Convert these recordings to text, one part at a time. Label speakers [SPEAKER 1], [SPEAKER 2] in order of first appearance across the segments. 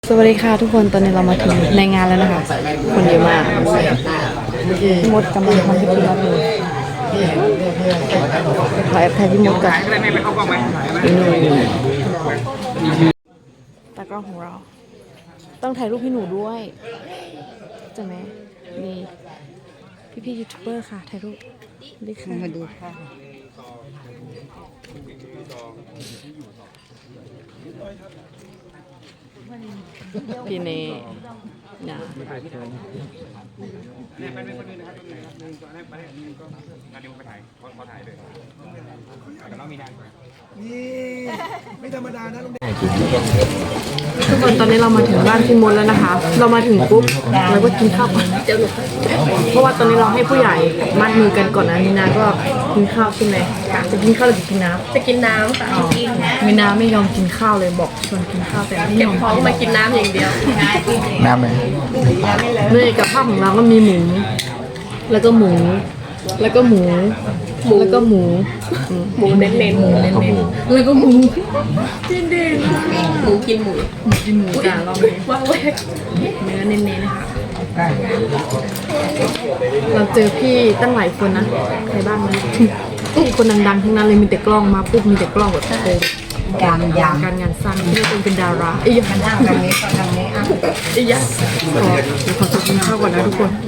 [SPEAKER 1] สวัสดีค่ะทุกคนตอนนี้เรามาถึงในงานแล้วนะคะคนเยอะมากพี่มดกำลังทำพิธีรับเลยขอแอบถ่ายพี่มดก่อนอีหนูตากล้องของเราต้องถ่ายรูปพี่หนูด้วยใช่ไหมนี่พี่ยูทูบเบอร์ค่ะถ่ายรูปดีค่ะมาดูค่ะพี่เน่นะ
[SPEAKER 2] ไม่ธรรมดานะลุงเด็ก
[SPEAKER 1] ทุกคนตอนนี้เรามาถึงบ้านพี่มดแล้วนะคะเรามาถึงปุ๊บเราก็กินข้าวก่อนเพราะว่าตอนนี้เราให้ผู้ใหญ่มัดมือกันก่อนนะมีนาก็กินข้าวใช่ไหมจะกินข้าวหรือจะกินน้ำ
[SPEAKER 3] จะกินน้ำค่ะกิน
[SPEAKER 1] มีนาไม่ยอมกินข้าวเลยบอกชวนกินข้าวแต่ไม่ย
[SPEAKER 3] เก็บ
[SPEAKER 1] อม
[SPEAKER 3] ของมากินน้ำอย่างเดียว
[SPEAKER 2] น้ำเลย
[SPEAKER 1] เลยกับข้าวของเราก็มีหมูแล้วก็หมูแล้วก็หมูแล้วก็หมู
[SPEAKER 3] หมูเน้นๆหมูเน้น
[SPEAKER 1] แล้วก็หมู
[SPEAKER 3] ๆหมูกินหมู
[SPEAKER 1] กินหมูจานรอบนี้
[SPEAKER 3] ว่างแวก
[SPEAKER 1] เนื้อเน้นๆนะคะเราเจอพี่ตั้งหลายคนนะใครบ้างนะคนดังๆทั้งนั้นเลยมีแต่กล้องมาปุ๊บมีแต่กล้องแบบโอ้การงานสร้างที่เป็นดาราไอ้ยักษ์ทางนี้ทางนี้ไอ้ยักษ์ขอกินข้าวก่อนนะทุกคน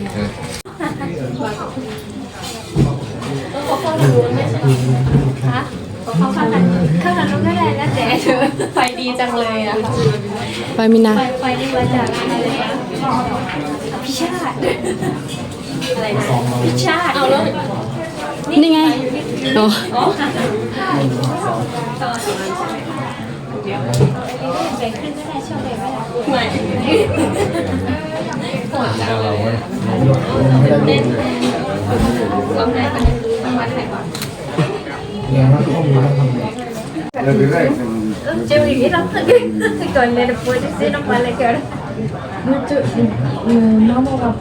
[SPEAKER 3] ข้างหลังนู้นก็ได้นะแต่ไฟดีจังเลยอะ
[SPEAKER 1] ไปมินา
[SPEAKER 3] ไฟดีมาจากอะไรนะพิชาติอะไรนะพิชาติเอาแล้ว
[SPEAKER 1] นี่ไงโอ้
[SPEAKER 3] แบ่งขึ้นก็ได้ชอบแบ่งไม่ได้ไม่เน้นลองได้ประเด็นดูประมาณไหนก่อนChưa nghĩ lắm còn này là vui thì sẽ nó qua lại kiểu đó
[SPEAKER 1] nó mau vào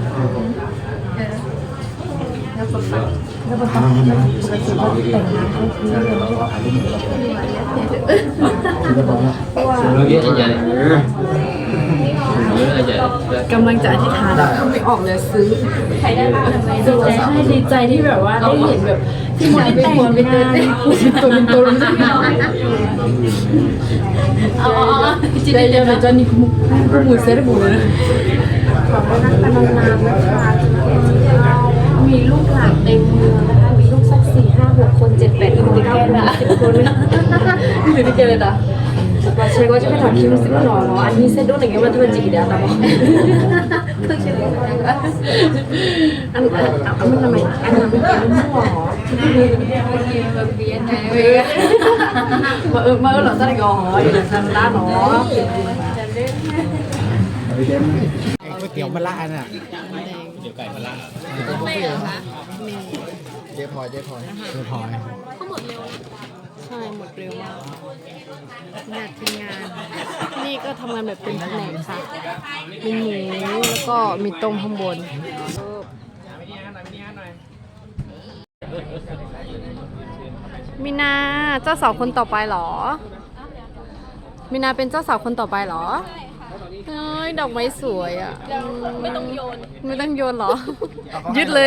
[SPEAKER 1] กำลังจะอธิษฐานไม่ออกเลยซื้อ
[SPEAKER 3] ใครได้บ้างทำไม
[SPEAKER 1] ดีใจให้ดีใจที่แบบว่าได้เห็นแบบที่หมดแต่งงานเป็นตัวใจเย็นนะจอนนี่หมูเซ็ตหมูเลยขอบคุณนักพนันนานนะคะมีลูกหลานเต็มเมืองนะคะมีลูกสัก4-5-6 คน7-8 คนติดแก่ละ10 คนเลยติดแก่เลยนะว่าใช่ก็จะไปถามคิวสิบหน่ออันนี้เซ็ตด้วยอย่างเงี้ยมันจะเป็นจีเดียวแต่บอกอันมันทำไมอันนั้นเป็นมั่วหรอมาเหรอซะได้ก่อนอยู่ในทางด้านหรอ
[SPEAKER 2] ก๋วยเตี๋ยวมะละน่ะเดี๋ยวไก่มะละไม่เหรอคะเจ๊พลอย
[SPEAKER 1] ใช่หมดเร็วมากงานทีมงานนี่ก็ทำงานแบบเป็นแผนกค่ะมีหมูแล้วก็มีต้มข้างบนมีนาเจ้าสาวคนต่อไปเหรอมีนาเป็นเจ้าสาวคนต่อไปเหรอเฮ้ยดอกไม้สวยอ่ะ
[SPEAKER 3] ไม่ต้องโยน
[SPEAKER 1] ไม่ต้องโยนเหรอยึดเลย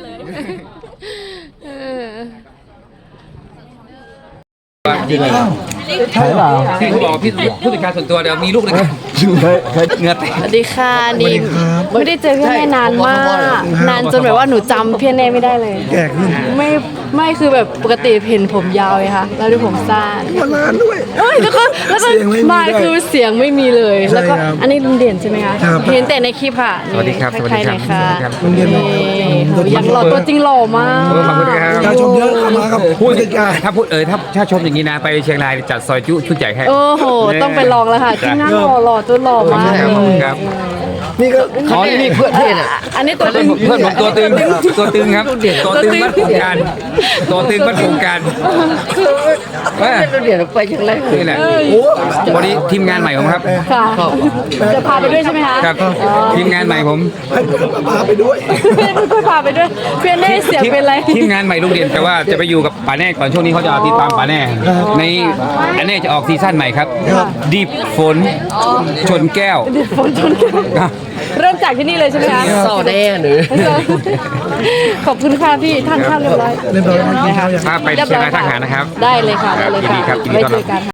[SPEAKER 2] ใช่เปล่า
[SPEAKER 4] พี่เขาบอกพี่ผู้จัดการส่วนตัวเดี๋ยวมีลูกเลยเงือแตก
[SPEAKER 1] สวัสดีค่ะนี่ไม่ได้เจอพี่แน่นานมากนานจนแบบว่าหนูจำพี่แน่ไม่ได้เลย
[SPEAKER 2] แก่ขึ้น
[SPEAKER 1] ไม่คือแบบปกติเห็นผมยาวไงคะแล้วดูผมสั้น
[SPEAKER 2] มานานด้วย
[SPEAKER 1] แล้วก็มาคือเสียงไม่มีเลยแล้วก็อันนี้ลุงเด่นใช่ไหมคะ
[SPEAKER 2] ครับ
[SPEAKER 1] เห็นแต่ในคลิปค่ะ
[SPEAKER 4] สวัสดีครับ
[SPEAKER 1] ใครๆหน่อยค่ะ
[SPEAKER 2] ลุงเด่น
[SPEAKER 1] นี่อยากหล่อตัวจริงหล่อมาก
[SPEAKER 4] ขอบคุณครับ
[SPEAKER 2] ยาชมเยอะเข้ามาครับผู้จัดการ
[SPEAKER 4] ถ้าพูดถ้าชมอย่างนี้นะไปเชียงรายจัดซอยจุชุดใหญ่ให้
[SPEAKER 1] โอ้โหต้องไปลองแล้วค่ะจริงน่าหล่อตัวหล่อมาก
[SPEAKER 4] ขอบคุณ
[SPEAKER 1] เลย
[SPEAKER 4] ครับ
[SPEAKER 2] นี่ก็
[SPEAKER 4] อ๋อนี่เพื่อนเนี่ย
[SPEAKER 1] อันนี้ตัวตึง
[SPEAKER 4] เพื่อนผมตัวตึงตัวตึงครับตัวตึงบ้านโครงการตัวตึงบ้านโครงการว่า
[SPEAKER 2] เดี๋ยวไปยังไง
[SPEAKER 4] นี่แหละวันนี้ทีมงานใหม่ผมครับ
[SPEAKER 1] ค่ะจะพาไปด้วยใช่ไหมคะ
[SPEAKER 4] ครับทีมงานใหม่ผม
[SPEAKER 2] พาไปด้วย
[SPEAKER 1] เพื่อนก็พาไปด้วยเพื่อนได้เสียงเป็นไร
[SPEAKER 4] ทีมงานใหม่โรงเรียนแต่ว่าจะไปอยู่กับป่าแน่ก่อนช่วงนี้เขาจะติดตามป่าแน่ในอันนี้จะออกซีซั่นใหม่ครับดิบฝนชนแก้ว
[SPEAKER 1] ฝนชนกันเริ่มจากที่นี่เลยใช่ไหมคะ
[SPEAKER 2] โซ่แน่หรือ
[SPEAKER 1] ขอบคุณค่ะพี่ท่านข้าวเรียบร้อย
[SPEAKER 2] เรียบร้อยแล้ว
[SPEAKER 1] นะคะ
[SPEAKER 4] ถ้าไปเชียงรายทหารนะครับ
[SPEAKER 1] ได้เลยค่ะได้เลยค่ะ
[SPEAKER 4] ยินดีครับยินดี
[SPEAKER 1] ไว้
[SPEAKER 4] ต้อน
[SPEAKER 1] เจ
[SPEAKER 4] รับ
[SPEAKER 1] อกัน